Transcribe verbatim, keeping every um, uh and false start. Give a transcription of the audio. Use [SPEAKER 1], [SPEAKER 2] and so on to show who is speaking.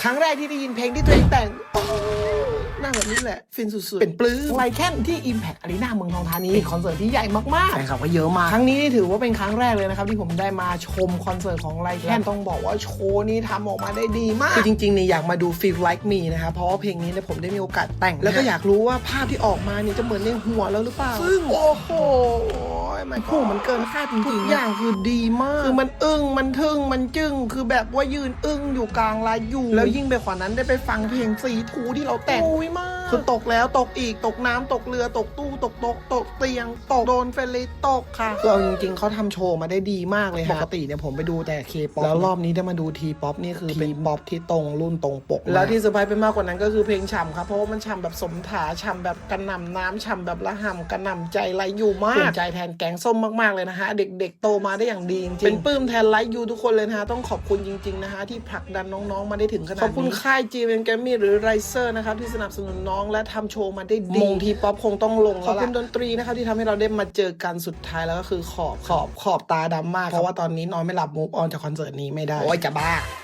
[SPEAKER 1] ครั้งแรกที่ได้ยินเพลงที่ตัวเองแต่งหน้าแบบนี้แหละฟินสุดๆเป็นปลื้มไลแคนที่ Impact Arena เมืองทองธานีเป็นคอนเสิร์ตที่ใหญ่มากๆแฟนคลับก็เยอะมากครั้งนี้นี่ถือว่าเป็นครั้งแรกเลยนะครับที่ผมได้มาชมคอนเสิร์ตของไลแคนต้องบอกว่าโชว์นี้ทำออกมาได้ดีมากคือจริงๆเนี่ยอยากมาดู Feel Like Me นะครับเพราะว่าเพลงนี้เนี่ยผมได้มีโอกาสแต่งแล้วก็อยากรู้ว่าภาพที่ออกมาเนี่ยจะเหมือนในหัวแล้วหรือเปล่าซึ่งโอ้โหมันโหมันเกินคาดจริงๆทุกอย่างคือดีมากคือมันอึ้งมันทึ่งมันจึ้งคือแบบว่ายืนอึ้งอยู่กลางลายอยู่แล้วยิ่งไปกว่านั้นได้ไปฟังเพลงสีทูที่เราแต่งโอ้ยมากคือตกแล้วตกอีกตกน้ำตกเรือตกตู้ตกโต๊ะตกเตียงตกโดนเฟรนตกค่ะคือเอาจริงๆเขาทำโชว์มาได้ดีมากเลยปกติเนี่ยผมไปดูแต่เคป๊อปแล้วรอบนี้ได้มาดูทีป๊อปนี่คือเป็นป๊อปที่ตรงรุ่นตรงปกแล้วที่เซอร์ไพรส์ไปมากกว่านั้นก็คือเพลงฉ่ำครับเพราะว่ามันฉ่ำแบบสมถาฉ่ำแบบกระหน่ำน้ำฉ่ำแบบระห่ำกระหน่ำใจไหลอยู่มากภูมิใจแทนแกงส้มมากๆเลยนะฮะเด็กๆโตมาได้อย่างดีจริงๆเป็นปลื้มแทนไลฟ์ยูทุกคนเลยนะฮะต้องขอบคุณจริงๆนะฮะที่ผลักดันน้องๆมาได้ถึงขนาดนี้ขอบคุณค่ายจีเอ็นแกรมมี่หรือไรเซอร์นะครับที่สนับสนุนน้องและทำโชว์มาได้ดีมงทีป๊อปคงต้องลงแล้วขอบคุณดนตรีนะครับที่ทำให้เราได้มาเจอกันสุดท้ายแล้วก็คือขอบขอบขอบตาดำมากเพราะว่าตอนนี้นอนไม่หลับมูฟออนจากคอนเสิร์ตนี้ไม่ได้โอ้ยจะบ้า